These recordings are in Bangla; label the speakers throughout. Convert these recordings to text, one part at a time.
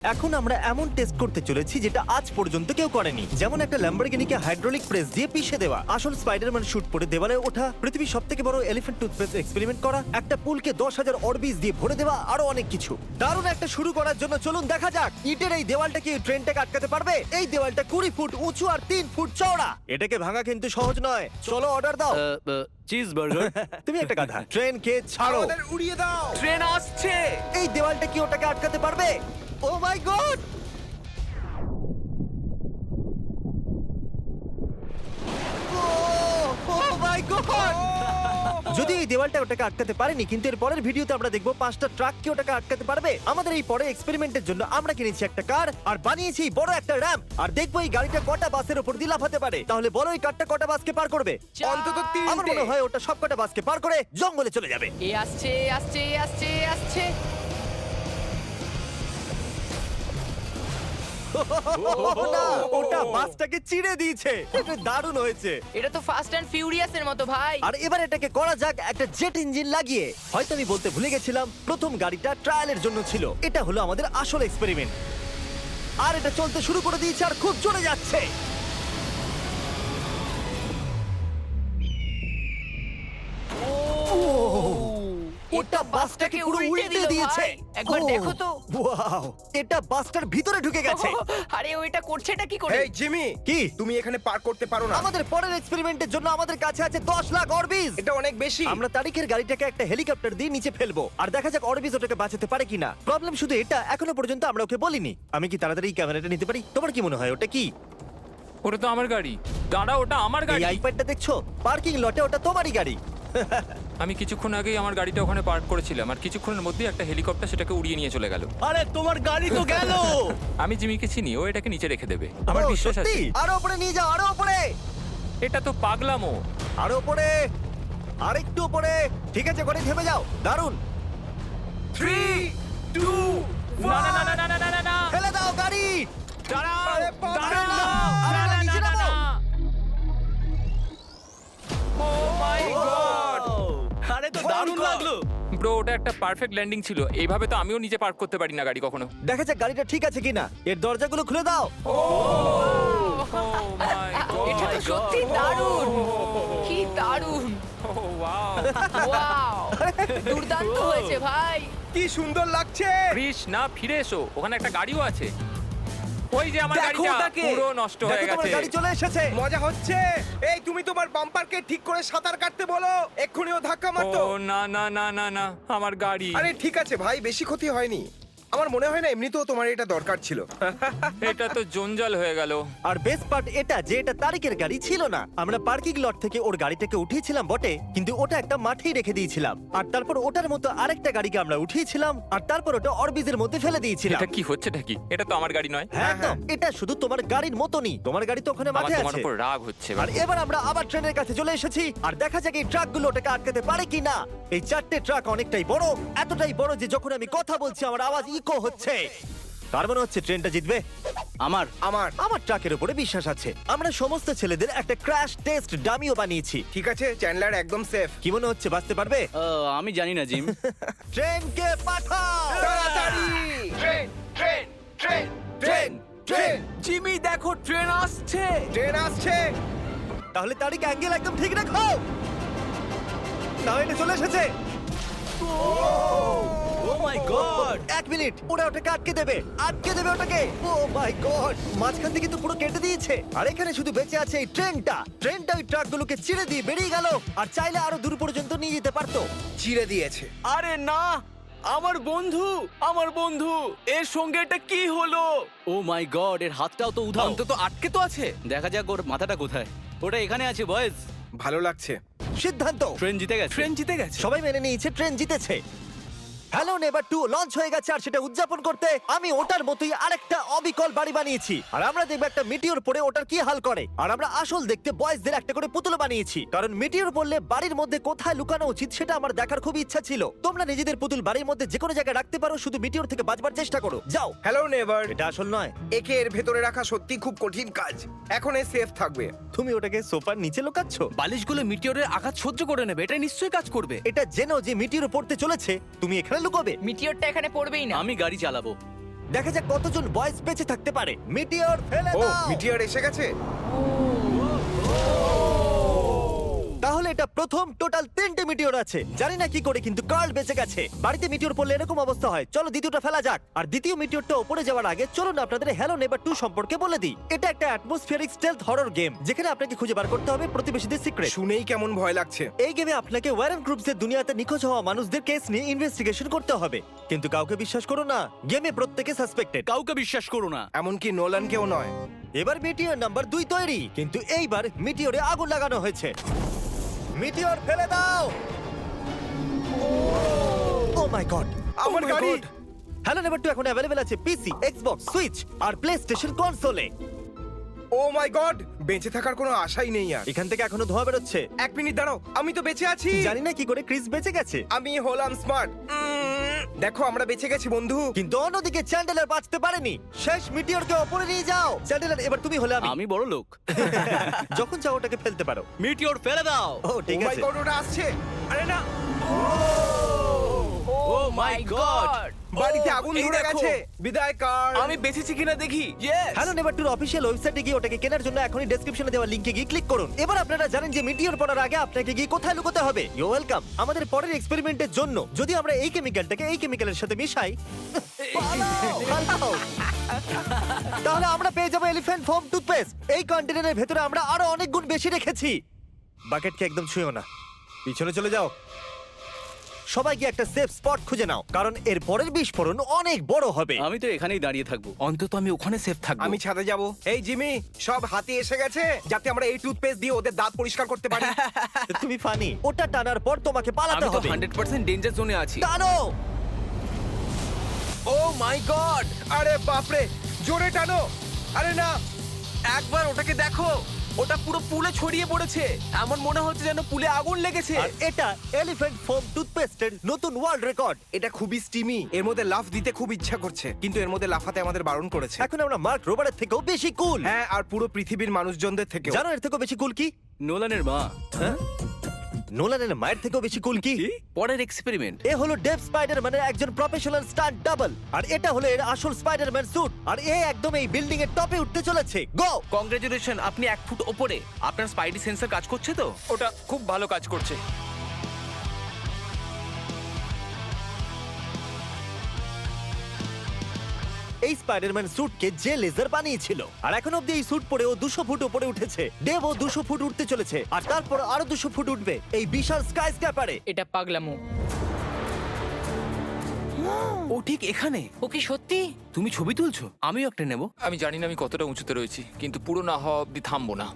Speaker 1: এখন আমরা এমন টেস্ট করতে চলেছি যেটা আজ পর্যন্ত কেউ করেনি, যেমন একটা ল্যাম্বরগিনিকে হাইড্রোলিক প্রেস দিয়ে পিষে দেওয়া, আসল স্পাইডারম্যান শুট পরে দেওয়ালে ওঠা, পৃথিবীর সবথেকে বড় এলিফ্যান্ট টুথপেস্ট এক্সপেরিমেন্ট করা, একটা পুলকে 10,000 অরবিজ দিয়ে ভরে দেওয়া, আরো অনেক কিছু। দারুণ একটা শুরু করার জন্য চলুন দেখা যাক ইটের এই দেওয়ালটা কি ট্রেনটাকে আটকাতে পারবে। এই দেওয়ালটা 20 ফুট উঁচু আর 3 ফুট চওড়া। এটাকে ভাঙা কিন্তু সহজ নয়। চলো অর্ডার দাও।
Speaker 2: Cheese burger.
Speaker 1: তুমি একটা গাধা। ট্রেনকে ছাড়ো।
Speaker 3: আমাদের উড়িয়ে দাও।
Speaker 2: ট্রেন আসছে।
Speaker 1: এই দেওয়ালটা কি ওটাকে আটকাতে পারবে? Oh my God! যদি এই দেওয়ালটা ওটাকে আটকাতে পারেনি, কিন্তু এর পরের ভিডিওতে আমরা দেখবো 5টা ট্রাক কি ওটাকে আটকাতে পারবে। আমাদের এই পরের এক্সপেরিমেন্টের জন্য আমরা কিনেছি একটা কার আর বানিয়েছি বড় একটা র্যাম্প, আর দেখবো এই গাড়িটা কটা বাসের উপর দিয়ে লাফাতে পারে। তাহলে বলো এই কারটা কটা বাসকে পার করবে?
Speaker 3: অন্তত
Speaker 1: আমার
Speaker 3: 3টে।
Speaker 1: মনে হয় ওটা সব কটা বাসকে পার করে জঙ্গলে চলে যাবে।
Speaker 4: এ আসছে আসছে আসছে আসছে।
Speaker 1: না, ওটা বাসটাকে চিড়ে দিয়েছে। এটা দারুণ হয়েছে।
Speaker 4: এটা তো ফাস্ট অ্যান্ড ফিউরিয়াস এর মতো ভাই।
Speaker 1: আর এবার এটাকে করা যাক একটা জেট ইঞ্জিন লাগিয়ে। হয়তো আমি বলতে ভুলে গেছিলাম, প্রথম গাড়িটা ট্রায়ালের জন্য ছিল। এটা হলো আমাদের আসল এক্সপেরিমেন্ট। আর এটা চলতে শুরু করে দিয়েছে আর খুব জোরে যাচ্ছে। ওটা বাসটাকে পুরো উল্টে দিয়েছে।
Speaker 4: ভাই। একবার দেখো তো।
Speaker 1: ওয়াও, এটা বাসটার ভিতরে ঢুকে গেছে।
Speaker 4: আরে ওইটা করছেটা কি করে?
Speaker 3: এই জিমি,
Speaker 1: কি?
Speaker 3: তুমি এখানে পার্ক করতে পারো না।
Speaker 1: আমাদের পরের এক্সপেরিমেন্টের জন্য আমাদের কাছে আছে 10 লাখ অরবিজ।
Speaker 3: এটা অনেক বেশি।
Speaker 1: আমরা তারিখের গাড়িটাকে একটা হেলিকপ্টার দিয়ে নিচে ফেলবো আর দেখা যাক অরবিজ ওটাকে বাঁচাতে পারে কিনা। প্রবলেম শুধু এটা, এখনো পর্যন্ত আমরা ওকে বলিনি। আমি কি তাড়াতাড়ি এই ক্যামেরাটা নিতে পারি? তোমার কি মনে হয় ওটা কি?
Speaker 2: ওটা তো আমার গাড়ি। দাঁড়া, ওটা আমার
Speaker 1: এই
Speaker 2: গাড়ি।
Speaker 1: আইপ্যাডটা দেখছো? পার্কিং লটে ওটা তোমারই গাড়ি।
Speaker 2: আমি কিছুক্ষণ আগেই আমার গাড়িটা ওখানে পার্ক করেছিলাম, আর কিছুক্ষণের মধ্যেই একটা হেলিকপ্টার সেটাকে উড়িয়ে নিয়ে চলে গেল।
Speaker 1: আরে তোমার গাড়ি তো গেল।
Speaker 2: আমি জিমিকে চিনি, ও এটাকে নিচে রেখে দেবে, আমার
Speaker 1: ও,
Speaker 2: বিশ্বাস আছে।
Speaker 1: সত্যি? আরো উপরে নিয়ে যাও, আরো উপরে,
Speaker 2: এটা তো পাগলামো।
Speaker 1: আরো উপরে, আরেকটু উপরে। ঠিক আছে, গাড়ি থেমে যাও। দারুণ।
Speaker 3: 3 2
Speaker 2: না না না না না না না না।
Speaker 1: ফেলে দাও গাড়ি।
Speaker 2: দাঁড়াও,
Speaker 3: আরে বাবা।
Speaker 2: দাঁড়াও।
Speaker 1: আরে
Speaker 2: না,
Speaker 1: না,
Speaker 2: না,
Speaker 1: নিচে
Speaker 2: না, না,
Speaker 1: নামাও।
Speaker 2: না। Oh my God!
Speaker 1: আরে তো দারুণ লাগলো।
Speaker 2: ব্রো, ওটা একটা পারফেক্ট ল্যান্ডিং ছিল। এইভাবে তো আমিও নিজে পার্ক করতে পারি না গাড়ি কখনো।
Speaker 1: দেখা যাক গাড়িটা ঠিক আছে কিনা। এর দরজাগুলো খুলে দাও।
Speaker 2: Oh my God!
Speaker 4: এটা তো সত্যি দারুণ। কি দারুণ।
Speaker 2: Oh, wow!
Speaker 4: ওয়াও, দুর্দান্ত হয়েছে ভাই।
Speaker 3: কি সুন্দর লাগছে।
Speaker 2: কৃষ, না, ফিরে এসো, ওখানে একটা গাড়িও আছে। ওই যে আমার
Speaker 3: দেখো
Speaker 2: গাড়িটা
Speaker 3: ওটাকে।
Speaker 2: পুরো নষ্ট হয়ে
Speaker 1: দেখো তোমার
Speaker 2: গেছে।
Speaker 1: গাড়ি চলে এসেছে।
Speaker 3: মজা হচ্ছে। এই তুমি তোমার বাম্পারকে ঠিক করে সাঁতার কাটতে বলো, এক্ষুনি ও ধাক্কা
Speaker 2: ও
Speaker 3: মারতো।
Speaker 2: না না না না না, আমার গাড়ি।
Speaker 3: আরে ঠিক আছে ভাই, বেশি ক্ষতি হয়নি। আমার মনে হয় না এমনিতেও তোমার এটা দরকার ছিল।
Speaker 2: এটা তো জঞ্জাল হয়ে গেল।
Speaker 1: আর বেস্ট পার্ট এটা যে এটা তারিকের গাড়ি ছিল না। আমরা পার্কিং লট থেকে ওর গাড়িটাকে উঠিয়েছিলাম বটে, কিন্তু ওটা একটা মাঠেই রেখে দিয়েছিলাম। আর তারপর ওটার মতো আরেকটা গাড়িকে আমরা উঠিয়েছিলাম, আর তারপর ওটা অরবিজের মধ্যে ফেলে দিয়েছিলাম।
Speaker 2: এটা কি হচ্ছেটা কি? এটা তো আমার গাড়ি নয়।
Speaker 1: হ্যাঁ একদম, এটা শুধু তোমার গাড়ির মতনই। তোমার গাড়ি তো ওখানে
Speaker 2: আমার
Speaker 1: মাঠে
Speaker 2: তোমার
Speaker 1: আছে।
Speaker 2: উপর রাগ হচ্ছে।
Speaker 1: আর এবার আমরা আবার ট্রেনের কাছে চলে এসেছি, আর দেখা যাক এই ট্রাকগুলো ওটাকে আটকাতে পারে কিনা। এই 4টে ট্রাক অনেকটাই বড়, এতটাই বড় যে যখন আমি কথা বলছি আমার আওয়াজ ইকো হচ্ছে। তার মানে হচ্ছে ট্রেনটা জিতবে।
Speaker 3: আমার
Speaker 1: আমার ট্রাকের উপরে বিশ্বাস আছে। আমরা সমস্ত ছেলেদের একটা ক্র্যাশ টেস্ট ডামিও বানিয়েছি।
Speaker 3: ঠিক আছে, চ্যান্ডলার একদম সেফ।
Speaker 1: কি মনে হচ্ছে, বাঁচতে পারবে?
Speaker 5: আমি জানি না জিম।
Speaker 1: ট্রেনকে পাঠাও
Speaker 3: তাড়াতাড়ি। Train train train train train
Speaker 5: Jimmy দেখো, ট্রেন আসছে।
Speaker 3: ট্রেন আসছে।
Speaker 1: তাহলে তারিখ অ্যাঙ্গেল একদম ঠিক রাখো। না, এটা চলে এসেছে।
Speaker 5: ও মাই গড!
Speaker 1: 1 মিনিট, ওরা ওটাকে আটকে দেবে ওটাকে। ও মাই গড, মাঝখান থেকে তো পুরো কেটে দিয়েছে। আর এখানে শুধু বেঁচে আছে এই ট্রেনটা ওই ট্রাকগুলোকে চিড়ে দিয়ে বেরিয়ে গেল, আর চাইলে আরো দূর পর্যন্ত নিয়ে যেতে পারতো।
Speaker 3: চিড়ে দিয়েছে।
Speaker 5: আরে না, আমার বন্ধু, এর সঙ্গে এটা কি হলো? ও মাই গড, এর হাতটাও তো উধাও।
Speaker 6: অন্তত আটকে তো আছে।
Speaker 5: দেখা যাক ওর মাথাটা কোথায়। ওটা এখানে আছে বয়েজ।
Speaker 3: ভালো লাগছে।
Speaker 1: সিদ্ধান্ত,
Speaker 5: ট্রেন জিতে গেছে।
Speaker 6: ট্রেন জিতে গেছে।
Speaker 1: সবাই মেনে নিয়েছে ট্রেন জিতেছে। হ্যালো নেভার 2 লঞ্চ হয়ে গেছে, আর সেটা উদযাপন করতে আমি ওটার মতোই আরেকটা অবিকল বাড়ি বানিয়েছি। আর আমরা দেখব একটা মিটিওর পড়ে ওটার কি হাল করে। আর আমরা আসল দেখতে বয়েজদের একটা করে পুতুল বানিয়েছি, কারণ মিটিওর পড়লে বাড়ির মধ্যে কোথায় লুকানো উচিত সেটা আমার দেখার খুব ইচ্ছা ছিল। তোমরা নিজেদের পুতুল বাড়ির মধ্যে যে কোনো জায়গায় রাখতে পারো, শুধু মিটিওর থেকে বাঁচবার চেষ্টা করো। যাও।
Speaker 3: Hello Neighbor.
Speaker 1: এটা আসল নয়।
Speaker 3: একে এর ভেতরে রাখা সত্যি খুব কঠিন কাজ। এখন এ সেফ থাকবে।
Speaker 1: তুমি ওটাকে সোফার নিচে লুকাচ্ছ।
Speaker 6: বালিশগুলো মিটিওরের আঘাত সহ্য করে নেবে, এটা নিশ্চয়ই কাজ করবে।
Speaker 1: এটা জেনো যে মিটিওর পড়তে চলেছে, তুমি এখানে লুকোবে।
Speaker 4: মিটিওরটা এখানে পড়বেই না।
Speaker 5: আমি গাড়ি চালাবো।
Speaker 1: দেখা যাক কতজন বয়েজ বেঁচে থাকতে পারে। মিটিওর ফেলে
Speaker 3: ও
Speaker 1: দাও।
Speaker 3: মিটিয়ার এসে গেছে।
Speaker 1: তাহলে এটা প্রথম টোটাল 3টে মিটিওর আছে। জানি না কি করে, কিন্তু কার্ল বেঁচে গেছে। বাড়িতে মিটিওর পড়লে এরকম অবস্থা হয়। চলো দ্বিতীয়টা ফেলা যাক। আর দ্বিতীয় মিটিওরটা উপরে যাওয়ার আগে চলুন আপনাদের হ্যালো নেভার 2 সম্পর্কে বলে দিই। এটা একটা অ্যাটমসফিয়ারিক স্টেলথ হরর গেম, যেখানে আপনাকে খুঁজে বার করতে হবে প্রতিবেশীদের সিক্রেট।
Speaker 3: শুনেই কেমন ভয় লাগছে।
Speaker 1: এই গেমে আপনাকে ওয়ারেন গ্রুপসের দুনিয়াতে নিখোঁজ হওয়া মানুষদের কেস নিয়ে ইনভেস্টিগেশন করতে হবে। কিন্তু কাউকে বিশ্বাস করো না, গেমে প্রত্যেকে সাসপেক্টেড।
Speaker 5: কাউকে বিশ্বাস করো না।
Speaker 3: এমনকি নোলানকেও নয়।
Speaker 1: এবার মিটিওর নাম্বার 2 তৈরি, কিন্তু এইবার মিটিওরে আগুন লাগানো হয়েছে। মিটিওর ফেলে দাও। ও মাই গড,
Speaker 3: আমার
Speaker 1: Oh my
Speaker 3: গাড়ি।
Speaker 1: God! হ্যালো নেভার 2 এখন অ্যাভেলেবল আছে পিসি, এক্সবক্স, সুইচ আর প্লেস্টেশন কনসোলে।
Speaker 3: ও মাই গড, বেঁচে থাকার কোনো আশাই নেই আর।
Speaker 1: এখান থেকে এখনো ধোঁয়া বেরোচ্ছে।
Speaker 3: 1 মিনিট দাঁড়াও, আমি তো বেঁচে আছি।
Speaker 1: জানি না কি করে ক্রিস বেঁচে গেছে,
Speaker 3: আমি হলাম স্মার্ট। দেখো আমরা বেঁচে গেছি বন্ধু।
Speaker 1: কিন্তু অন্যদিকে চ্যান্ডেলার বাঁচতে পারেনি। শেষ মিটিওরকে ওপরে নিয়ে যাও। চ্যান্ডেলার, এবার তুমি হলে
Speaker 5: আমি বড় লোক।
Speaker 1: যখন চাও ওটাকে ফেলতে পারো।
Speaker 5: মিটিওর ফেলে দাও।
Speaker 1: ও ঠিক
Speaker 3: ও মাই
Speaker 1: আছে।
Speaker 3: গড, ওটা আসছে। আরে না,
Speaker 4: ও
Speaker 5: my God!
Speaker 3: বাড়িতে আগুন
Speaker 5: এই
Speaker 3: ধরে
Speaker 5: দেখো।
Speaker 3: গেছে। বিদায় কার।
Speaker 5: আমি বেঁচেছি কিনা দেখি। ইয়েস।
Speaker 1: হ্যালো নেভার 2 অফিসিয়াল ওয়েবসাইটে গিয়ে ওটাকে কেনার জন্য এখনই ডেসক্রিপশনে দেওয়া লিংকে গিয়ে ক্লিক করুন। এবার আপনারা জানেন যে মিটিওর পড়ার আগে আপনাকে গিয়ে কোথায় লুকোতে হবে। You welcome. আমাদের পরের এক্সপেরিমেন্টের জন্য যদি আমরা এই কেমিক্যালটাকে এই কেমিক্যালের সাথে মিশাই, পালাও। তাহলে আমরা পেয়ে যাবো এলিফ্যান্ট ফোম টুথপেস্ট। এই কন্টেনারের ভেতরে আমরা আরো অনেক গুণ বেশি রেখেছি। বাকেটকে একদম ছুঁয়ো না, পিছনে চলে যাও। সবাই গিয়ে একটা সেফ স্পট খুঁজে নাও, কারণ এর পরের বিস্ফোরণ অনেক বড় হবে।
Speaker 5: আমি তো এখানেই দাঁড়িয়ে থাকবো। অন্তত আমি ওখানে সেফ থাকবো।
Speaker 3: আমি ছাদে যাব। এই জিমি, সব হাতি এসে গেছে যাতে আমরা এই টুথপেস্ট দিয়ে ওদের দাঁত পরিষ্কার করতে পারি।
Speaker 1: তুমি ফানি। ওটা টানার পর তোমাকে পালাতে
Speaker 6: আমি তো
Speaker 1: হবে।
Speaker 6: 100% ডেঞ্জার জোনে আছি।
Speaker 1: টানো।
Speaker 3: ও মাই গড, আরে বাপরে, জোরে টানো। আরে না,
Speaker 6: একবার ওটাকে দেখো, ওটা পুরো পুলে ছড়িয়ে পড়েছে। এমন মনে হচ্ছে যেন পুলে আগুন লেগেছে।
Speaker 1: আর এটা এলিফ্যান্ট ফোম টুথপেস্টের নতুন ওয়ার্ল্ড রেকর্ড।
Speaker 3: এটা খুবই স্টিমি। এর মধ্যে লাফ দিতে খুব ইচ্ছা করছে, কিন্তু এর মধ্যে লাফাতে আমাদের বারণ করেছে।
Speaker 1: এখন আমরা মার্ক রোবারের থেকেও বেশি কুল।
Speaker 3: হ্যাঁ, আর পুরো পৃথিবীর মানুষজনদের থেকে।
Speaker 1: জানো এর থেকেও বেশি কুল কি?
Speaker 5: নোলানের মা।
Speaker 1: হ্যাঁ? নোলানের মায়ের থেকেও বেশি কুল কি?
Speaker 5: পরের এক্সপেরিমেন্ট।
Speaker 1: এ হলো ডেভ স্পাইডারম্যানের একজন প্রফেশনাল স্টান্ট ডাবল, আর এটা হলো এর আসল স্পাইডারম্যান স্যুট। আর এ একদম এই বিল্ডিং এর টপে উঠতে চলেছে। গো!
Speaker 6: কংগ্রেচুলেশন, আপনি 1 ফুট ওপরে। আপনার স্পাইডি সেন্সর কাজ করছে তো?
Speaker 2: ওটা খুব ভালো কাজ করছে।
Speaker 1: এই স্পাইডারম্যান স্যুটকে যে লেজার বানিয়েছিল, আর এখন অব্দি এই স্যুট পরে ও 200 ফুট উপরে উঠেছে। ডেভ ও 200 ফুট উঠতে চলেছে, আর তারপর আরো 200 ফুট উঠবে এই বিশাল স্কাই স্ক্যাপারে।
Speaker 4: এটা পাগলামো।
Speaker 6: ও ঠিক এখানে।
Speaker 4: ও কি সত্যি?
Speaker 6: তুমি ছবি তুলছো? আমিও একটা নেব।
Speaker 2: আমি জানি না আমি কতটা উঁচুতে রয়েছি, কিন্তু পুরো না হওয়া অব্দি থামবো না।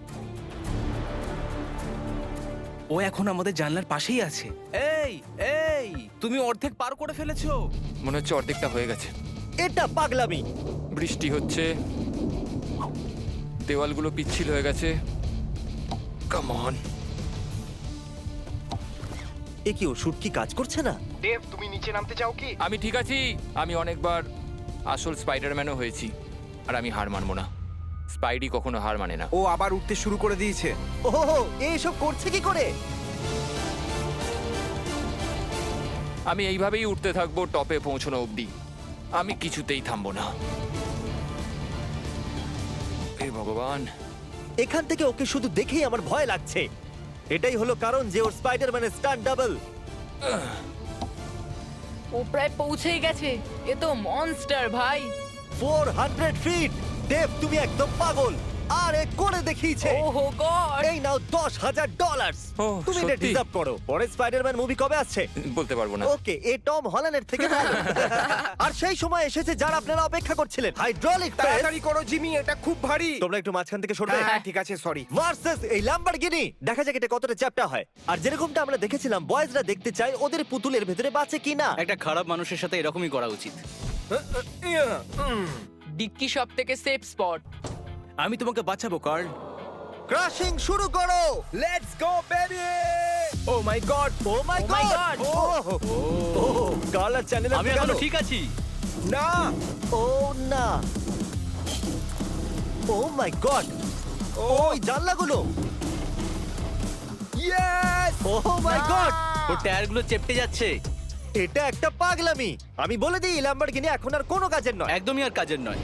Speaker 6: ও এখন আমাদের জানলার পাশেই আছে। এই এই, তুমি অর্ধেক পার করে ফেলেছো।
Speaker 2: মনে হচ্ছে অর্ধেকটা হয়ে গেছে।
Speaker 1: এটা পাগলামি।
Speaker 2: বৃষ্টি হচ্ছে, দেওয়ালগুলো পিচ্ছিল হয়ে গেছে। Come on.
Speaker 1: এ কি, ও স্যুট কি কাজ করছে না?
Speaker 3: ডেভ, তুমি নিচে নামতে চাও কি?
Speaker 2: আমি ঠিক আছি। আমি অনেকবার আসল স্পাইডারম্যানও হয়েছি, আর আমি হার মানবো না। স্পাইডি কখনো হার মানে না।
Speaker 3: ও আবার উঠতে শুরু করে দিয়েছে।
Speaker 1: ওহো, এসব করছে কি করে?
Speaker 2: আমি এইভাবেই উঠতে থাকবো টপে পৌঁছানো অবধি। আমি কিছুতেই থামবো না। হে ভগবান।
Speaker 1: এখান থেকে ওকে শুধু দেখেই আমার ভয় লাগছে। এটাই হলো কারণ যে ওর স্পাইডারম্যানের স্টান্ট ডাবল।
Speaker 4: ও প্রায় পৌঁছেই গেছে। এ তো মনস্টার ভাই।
Speaker 1: 400 ফিট। ডেভ, তুমি একদম পাগল। আর এ করে দেখিয়েছে।
Speaker 4: ওহো গড।
Speaker 1: এই নাও $10,000।
Speaker 2: ও,
Speaker 1: তুমি এটা
Speaker 2: সত্যি?
Speaker 1: ডিজার্ভ করো। পরে স্পাইডারম্যান মুভি কবে আসছে?
Speaker 2: বলতে পারবো না।
Speaker 1: ওকে, এ টম হল্যান্ডের থেকে ভালো। আর সেই সময় এসেছে যারা আপনারা অপেক্ষা করছিলেন, হাইড্রোলিক প্রেস।
Speaker 3: তাড়াতাড়ি করো জিমি, এটা খুব ভারী।
Speaker 1: তোমরা একটু মাঝখান থেকে সরবে।
Speaker 3: হ্যাঁ ঠিক আছে, সরি।
Speaker 1: ভার্সেস এই ল্যাম্বরগিনি। দেখা যাক এটা কতটা চ্যাপ্টা হয়। আর যেরকমটা আমরা দেখেছিলাম, বয়েজরা দেখতে চায় ওদের পুতুলের ভেতরে বাঁচে কিনা।
Speaker 5: একটা খারাপ মানুষের সাথে এরকমই করা উচিত।
Speaker 4: ডিক্কি সব থেকে সেফ স্পট।
Speaker 6: আমি তোমাকে বাঁচাবো কার্ল।
Speaker 1: ক্রাশিং শুরু করো।
Speaker 3: Let's go baby. Oh my God,
Speaker 1: oh my
Speaker 4: Oh my
Speaker 1: God.
Speaker 4: God!
Speaker 1: Oh colour channel
Speaker 5: আমি এখনো ঠিক আছি।
Speaker 3: না।
Speaker 1: ও না। Oh my God. ওই জানলাগুলো।
Speaker 3: ইয়েস।
Speaker 1: O my god.
Speaker 5: ওর টায়ারগুলো চেপটে যাচ্ছে।
Speaker 1: এটা একটা পাগলামি। আমি বলে দিই ল্যাম্বরগিনি এখন আর কোনো কাজের নয়।
Speaker 5: একদমই আর কাজের নয়।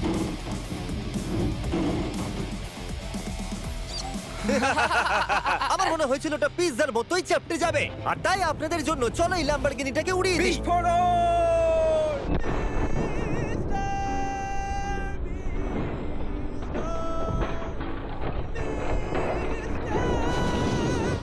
Speaker 1: আমার মনে হয়েছিল ওটা পিৎজার মতোই চেপটে যাবে, আর তাই আপনাদের জন্য চলো এই ল্যাম্বরগিনিটাকে উড়িয়ে দিই।
Speaker 3: বিস্ফোরণ!